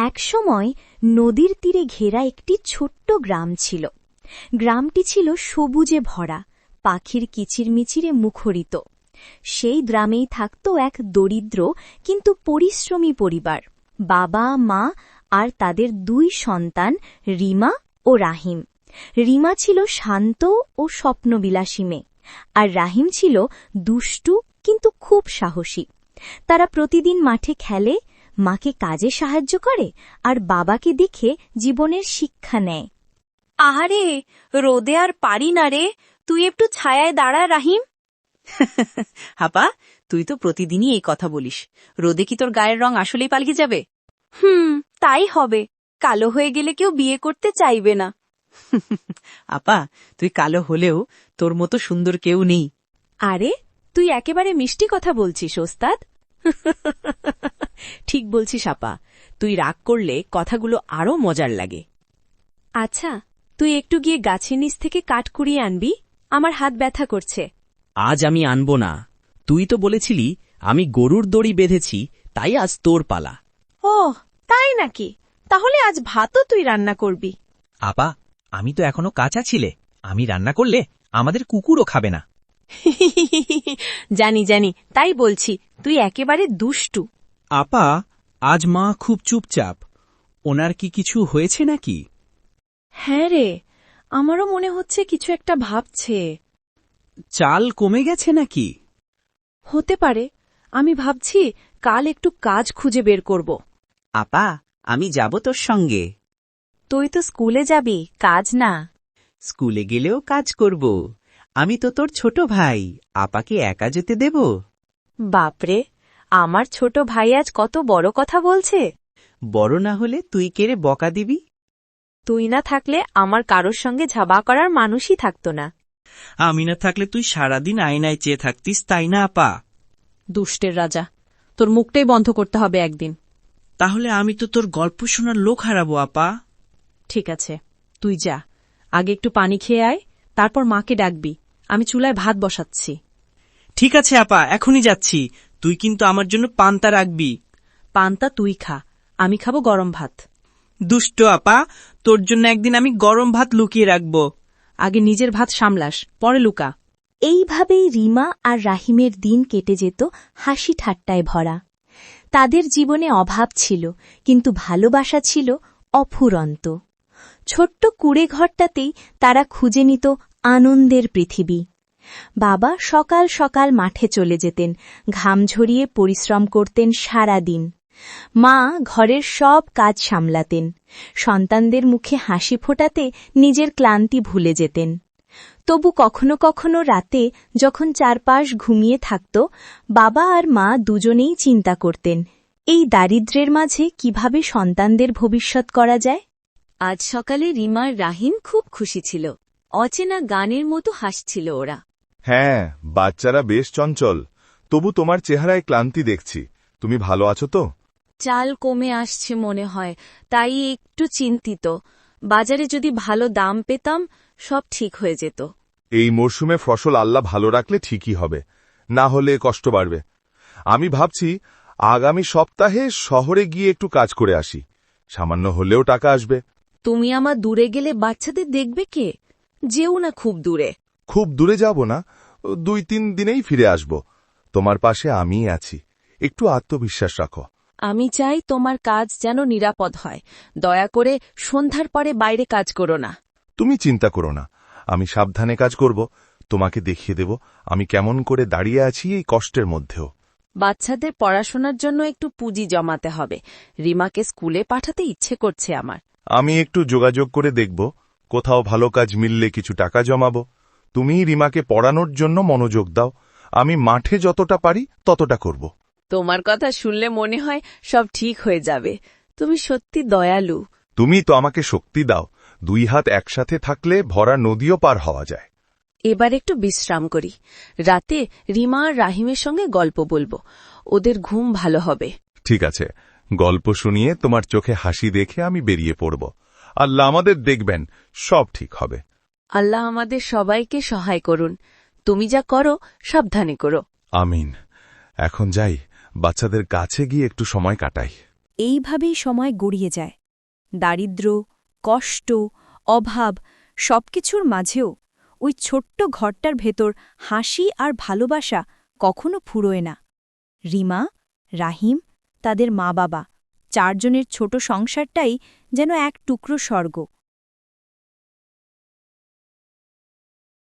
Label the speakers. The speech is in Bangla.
Speaker 1: একসময় নদীর তীরে ঘেরা একটি ছোট্ট গ্রাম ছিল। গ্রামটি ছিল সবুজে ভরা, পাখির কিচিরমিচিরে মুখরিত। সেই গ্রামেই থাকত এক দরিদ্র কিন্তু পরিশ্রমী পরিবার, বাবা মা আর তাদের 2 সন্তান রিমা ও রাহিম। রিমা ছিল শান্ত ও স্বপ্নবিলাসী মেয়ে, আর রাহিম ছিল দুষ্টু কিন্তু খুব সাহসী। তারা প্রতিদিন মাঠে খেলে, মাকে কাজে সাহায্য করে আর বাবাকে দেখে জীবনের শিক্ষা নেয়।
Speaker 2: আহারে, রোদে আর পারি না রে, তুই একটু ছায়ায় দাঁড়া রাহিম।
Speaker 3: হাপা, তুই তো প্রতিদিনই এই কথা বলিস। রোদে কি তোর গায়ের রং আসলেই পাল্টে যাবে?
Speaker 2: তাই হবে। কালো হয়ে গেলে কেউ বিয়ে করতে চাইবে না।
Speaker 3: আপা, তুই কালো হলেও তোর মতো সুন্দর কেউ নেই।
Speaker 2: আরে, তুই একেবারে মিষ্টি কথা বলছিস ওস্তাদ।
Speaker 4: ঠিক বলছিস আপা, তুই রাগ করলে কথাগুলো আরো মজার লাগে।
Speaker 2: আচ্ছা, তুই একটু গিয়ে গাছের নিচ থেকে কাঠ কুড়িয়ে আনবি, আমার হাত ব্যথা করছে।
Speaker 4: আজ আমি আনব না। তুই তো বলেছিলি আমি গরুর দড়ি বেঁধেছি, তাই আজ তোর পালা।
Speaker 2: ও, তাই নাকি? তাহলে আজ ভাতও তুই রান্না করবি?
Speaker 5: আপা, আমি তো এখনো কাঁচা ছিলে। আমি রান্না করলে আমাদের কুকুরও খাবে না।
Speaker 2: জানি জানি, তাই বলছি, তুই একেবারে দুষ্টু।
Speaker 5: আপা, আজ মা খুব চুপচাপ। ওনার কি কিছু হয়েছে নাকি?
Speaker 2: হ্যাঁ রে, আমারও মনে হচ্ছে কিছু একটা ভাবছে।
Speaker 5: চাল কমে গেছে নাকি?
Speaker 2: হতে পারে। আমি ভাবছি কাল একটু কাজ খুঁজে বের করব।
Speaker 3: আপা, আমি যাব তোর সঙ্গে।
Speaker 2: তুই তো স্কুলে যাবি, কাজ না।
Speaker 3: স্কুলে গেলেও কাজ করব। আমি তো তোর ছোট ভাই, আপাকে একা যেতে দেব?
Speaker 2: বাপরে, আমার ছোট ভাই আজ কত বড় কথা বলছে।
Speaker 3: বড় না হলে তুই কেড়ে বকা দিবি?
Speaker 2: তুই না থাকলে আমার কারোর সঙ্গে ঝাবা করার মানুষই থাকত না।
Speaker 5: আমি না থাকলে তুই সারাদিন আয়নায় চেয়ে থাকতিস, তাই না আপা?
Speaker 2: দুষ্টের রাজা, তোর মুখটাই বন্ধ করতে হবে একদিন।
Speaker 5: তাহলে আমি তো তোর গল্প শোনার লোক হারাবো আপা।
Speaker 2: ঠিক আছে, তুই যা, আগে একটু পানি খেয়ে আয়, তারপর মাকে ডাকবি। আমি চুলায় ভাত বসাচ্ছি।
Speaker 5: ঠিক আছে আপা, এখনই যাচ্ছি। তুই কিন্তু আমার জন্য পান্তা রাখবি।
Speaker 2: পান্তা তুই খা, আমি খাবো গরম ভাত।
Speaker 5: দুষ্ট আপা, তোর জন্য একদিন আমি গরম ভাত লুকিয়ে রাখবো।
Speaker 2: আগে নিজের ভাত সামলাস, পরে লুকা।
Speaker 1: এইভাবেই রিমা আর রাহিমের দিন কেটে যেত হাসি ঠাট্টায় ভরা। তাদের জীবনে অভাব ছিল, কিন্তু ভালোবাসা ছিল অফুরন্ত। ছোট্ট কুঁড়ে ঘরটাতেই তারা খুঁজে নিত আনন্দের পৃথিবী। বাবা সকাল সকাল মাঠে চলে যেতেন, ঘাম ঝরিয়ে পরিশ্রম করতেন সারা দিন। মা ঘরের সব কাজ সামলাতেন, সন্তানদের মুখে হাসি ফোটাতে নিজের ক্লান্তি ভুলে যেতেন। তবু কখনো কখনো রাতে যখন চারপাশ ঘুমিয়ে থাকত, বাবা আর মা দুজনেই চিন্তা করতেন এই দারিদ্র্যের মাঝে কিভাবে সন্তানদের ভবিষ্যৎ করা যায়।
Speaker 2: আজ সকালে রিমার রাহিম খুব খুশি ছিল। অচেনা গানের মতো হাসছিল ওরা।
Speaker 6: হ্যাঁ, বাচ্চারা বেশ চঞ্চল। তবু তোমার চেহারায় ক্লান্তি দেখছি। তুমি ভালো আছো তো?
Speaker 2: চাল কমে আসছে মনে হয়, তাই একটু চিন্তিত। বাজারে যদি ভালো দাম পেতাম, সব ঠিক হয়ে যেত।
Speaker 6: এই মরশুমে ফসল আল্লাহ ভালো রাখলে ঠিকই হবে, না হলে কষ্ট বাড়বে। আমি ভাবছি আগামী সপ্তাহে শহরে গিয়ে একটু কাজ করে আসি। সামান্য হলেও টাকা আসবে।
Speaker 2: তুমি আমার দূরে গেলে বাচ্চাদের দেখবে কে? যেও না খুব দূরে।
Speaker 6: খুব দূরে যাব না, 2-3 দিনেই ফিরে আসব। তোমার পাশে আমিই আছি, একটু আত্মবিশ্বাস রাখো।
Speaker 2: আমি চাই তোমার কাজ যেন নিরাপদ হয়। দয়া করে সন্ধ্যার পরে বাইরে কাজ করো না।
Speaker 6: তুমি চিন্তা করো না, আমি সাবধানে কাজ করব। তোমাকে দেখিয়ে দেব আমি কেমন করে দাঁড়িয়ে আছি এই কষ্টের মধ্যেও।
Speaker 2: বাচ্চাদের পড়াশোনার জন্য একটু পুঁজি জমাতে হবে। রিমাকে স্কুলে পাঠাতে ইচ্ছে করছে আমার।
Speaker 6: আমি একটু যোগাযোগ করে দেখব, কোথাও ভালো কাজ মিললে কিছু টাকা জমাবো। তুমি রিমাকে পড়ানোর জন্য মনোযোগ দাও, আমি মাঠে যতটা পারি ততটা করব।
Speaker 2: তোমার কথা শুনলে মনে হয় সব ঠিক হয়ে যাবে। তুমি সত্যি দয়ালু।
Speaker 6: তুমি তো আমাকে শক্তি দাও। 2 হাত একসাথে থাকলে ভরা নদীও পার হওয়া যায়।
Speaker 2: এবার একটু বিশ্রাম করি। রাতে রিমা আর রাহিমের সঙ্গে গল্প বলবো, ওদের ঘুম ভালো হবে।
Speaker 6: ঠিক আছে, গল্প শুনিয়ে তোমার চোখে হাসি দেখে আমি বেরিয়ে পড়ব। আল্লাহ আমাদের দেখবেন, সব ঠিক হবে।
Speaker 2: আল্লাহ আমাদের সবাইকে সহায় করুন। তুমি যা করো সাবধানে করো।
Speaker 6: আমিন। এখন যাই, বাচ্চাদের কাছে গিয়ে একটু সময় কাটাই।
Speaker 1: এইভাবেই সময় গড়িয়ে যায় দারিদ্র্য কষ্ট অভাব সবকিছুর মাঝেও ওই ছোট্ট ঘরটার ভেতর হাসি আর ভালোবাসা কখনো ফুরোয় না রিমা রাহিম তাদের মা বাবা চারজনের ছোট সংসারটাই যেন এক টুকরো স্বর্গ